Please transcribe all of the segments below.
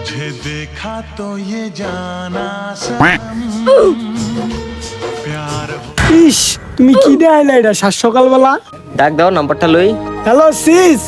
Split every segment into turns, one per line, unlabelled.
तुझे देखा तो ये जाना प्यार
ইস তুমি কি দেখাইলা এটা সাত সকালবেলা?
ডাক দাও, নাম্বারটা লই।
Hello sis.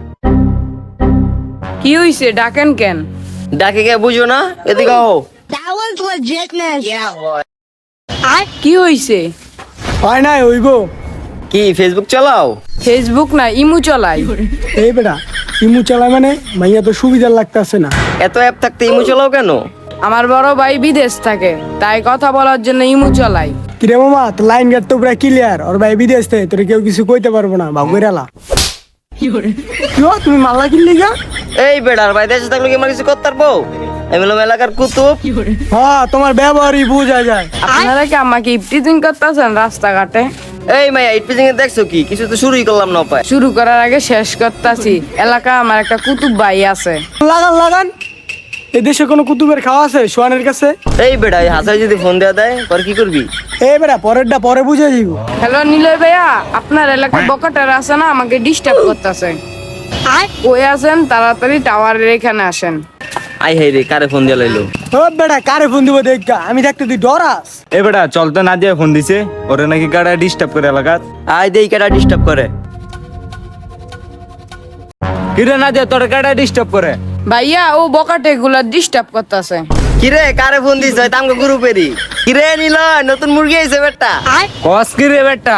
কি হইছে ডাকেন কেন?
ডাকে কে বুঝো না, এদিকে আও।
That was legitness.
কি হইছে?
হয় নাই হইব।
কি ফেসবুক চালাও?
ফেসবুক না ইমু চলাই।
এই বেটা ইমু চালায় মানে মাইয়া তো সুবিধা লাগতেছে না।
এত অ্যাপ থাকতে ইমো চালাও কেন?
আমার বড় ভাই বিদেশ থাকে, তাই কথা বলার জন্য ইমু চলাই।
কিরে মামা তো লাইন গেট তো পুরা ক্লিয়ার, ওর ভাই বিদেশ থেকে তোর কেউ কিছু কইতে পারবো না, ভাব কইরালা। কি তুমি মাল্লা কিনলি গা?
এই বেড়ার ভাই দেশে থাকলে কি আমার কিছু করতে পারবো? আমি হলাম এলাকার কুতুব।
হ্যাঁ তোমার ব্যবহারই বোঝা যায়।
আপনারা কি আমাকে ইফটিজিং করতেছেন রাস্তাঘাটে?
এই মাইয়া ইটপিজিং এ দেখছো কি? কিছু তো শুরুই করলাম না পায়।
শুরু করার আগে শেষ করতেছি। এলাকা আমার একটা কুতুব ভাই আছে।
লাগান লাগান। এই দেশে কোনো কুতুবের খাওয়া আছে সোয়ানের কাছে?
এই বেড়া এই হাসাই যদি ফোন দেয়া দেয় পর কি করবি?
এই বেটা পরেরটা পরে বুঝে দিব।
হ্যালো নিলয় ভাইয়া, আপনার এলাকায় বকাটার আছে না, আমাকে ডিস্টার্ব করতেছে। কই আছেন? তাড়াতাড়ি টাওয়ারের এখানে আসেন।
আই হাই রে, কারে ফোন দিয়া লাইলো?
ও বেটা কারে ফোন দিব দেখা, আমি দেখতে তুই ডরাস।
এ বেটা চলতে না দিয়ে ফোন দিছে, ওরে নাকি গাড়া ডিস্টার্ব করে এলাকাত।
আই দেই কেডা ডিস্টার্ব করে?
কিরে না দিয়ে তোর গাড়া ডিস্টার্ব করে?
ভাইয়া ও বকাটে গুলা ডিস্টার্ব করতেছে।
কিরে কারে ফোন দিছ? তামকে গ্রুপেরই। কিরে নিলয় নতুন মুরগি আইছে বেটা।
কস কিরে বেটা?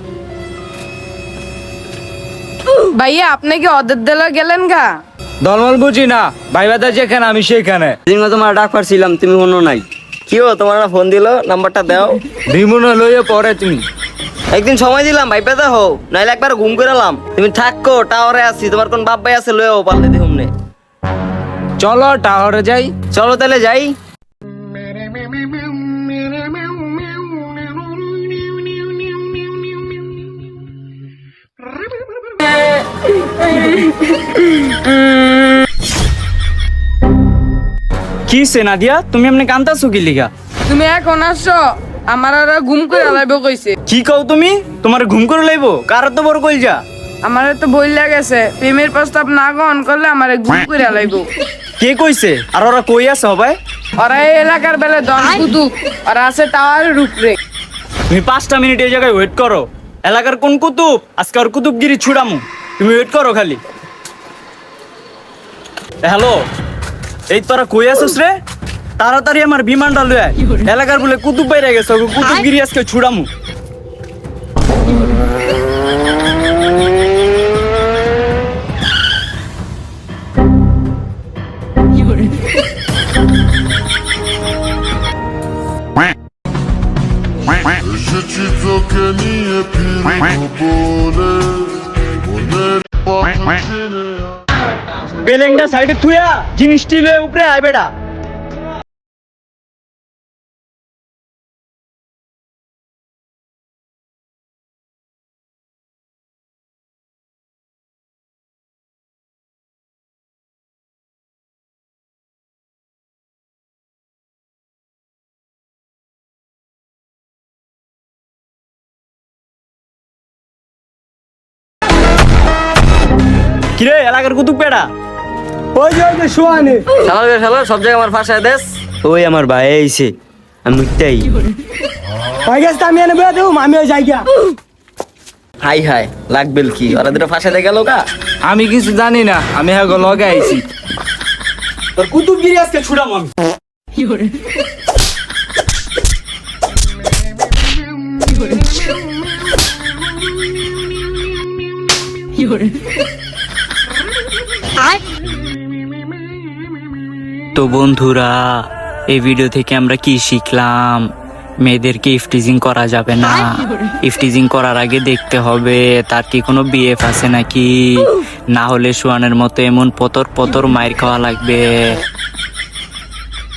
ভাইয়া আপনি কি অদের দেলা গেলেন গা?
দলমল বুঝি না, ভাই বাদা যেখানে আমি সেইখানে।
দিন তোমার ডাক পারছিলাম, তুমি শুনো নাই। কি হো তোমার না ফোন দিলো, নাম্বারটা দাও।
রিমুনা লইয়ে পরে তুমি।
একদিন সময় দিলাম ভাই পেতে হো, নাইলে একবার ঘুম করে এলাম। তুমি থাকো টাওয়ারে আছি, তোমার কোন বাপ ভাই আছে লইও পারলে দেখুন নে।
চলো টাওয়ারে যাই।
চলো তাহলে যাই।
কি সে নাদিয়া, তুমি এমনি কান্তাছো কি লিগা?
তুমি এখন আসছো, আমার আর ঘুম করে আলাইব কইছে।
কি কও তুমি? তোমার ঘুম করে লাইবো? কার তো বড় কইল যা?
আমার তো ভয় লাগেছে, প্রেমের প্রস্তাব না গ্রহণ করলে আমারে ঘুম করে আলাইব।
কে কইছে? আর ওরা কই আছে সবাই?
ওরা এই এলাকার বেলে দন কুতুব, ওরা আছে টাওয়ারের উপরে।
তুমি 5টা মিনিট এই জায়গায় ওয়েট করো। এলাকার কোন কুতুব আজকে ওর কুতুবগিরি ছুড়ামু, তুমি ওয়েট করো খালি। হ্যালো, এই তোরা কই আছিস রে? তাড়াতাড়ি আমার বিমানটা লয়ে আয়। এলাকার বলে কুতুব বাইরে গেছে, ওকে কুতুবগিরি আজকে ছুড়ামু।
এসেছি তোকে নিয়ে ফিরবো বলে মনের পথ চিনে
বেলেংটা সাইডে থুয়া জিনিসটি লয়ে উপরে আয় বেটা। কিরে এলাকার কুতুব বেটা?
ওই যে সোয়ানে।
শালা সব জায়গায় আমার ফাঁসায় দেশ। ওই আমার ভাই আইছে, আমি মিথ্যাই।
হয়ে গেছে আমি এনে বেড়া দেবো, আমিও যাই গা।
হাই হাই লাগবেল কি, ওরা দুটো ফাঁসাতে গেল গা।
আমি কিছু জানি না, আমি হ্যাঁ লগে আইছি। তোর কুতুবগিরি আজকে ছুড়ামু আমি।
তো বন্ধুরা, এই ভিডিও থেকে আমরা কি শিখলাম? মেয়েদেরকে ইফটিজিং করা যাবে না। ইফটিজিং করার আগে দেখতে হবে তার কি কোনো বিএফ আছে নাকি, না হলে সোয়ানের মতো এমন পতর পতর মায়ের খাওয়া লাগবে।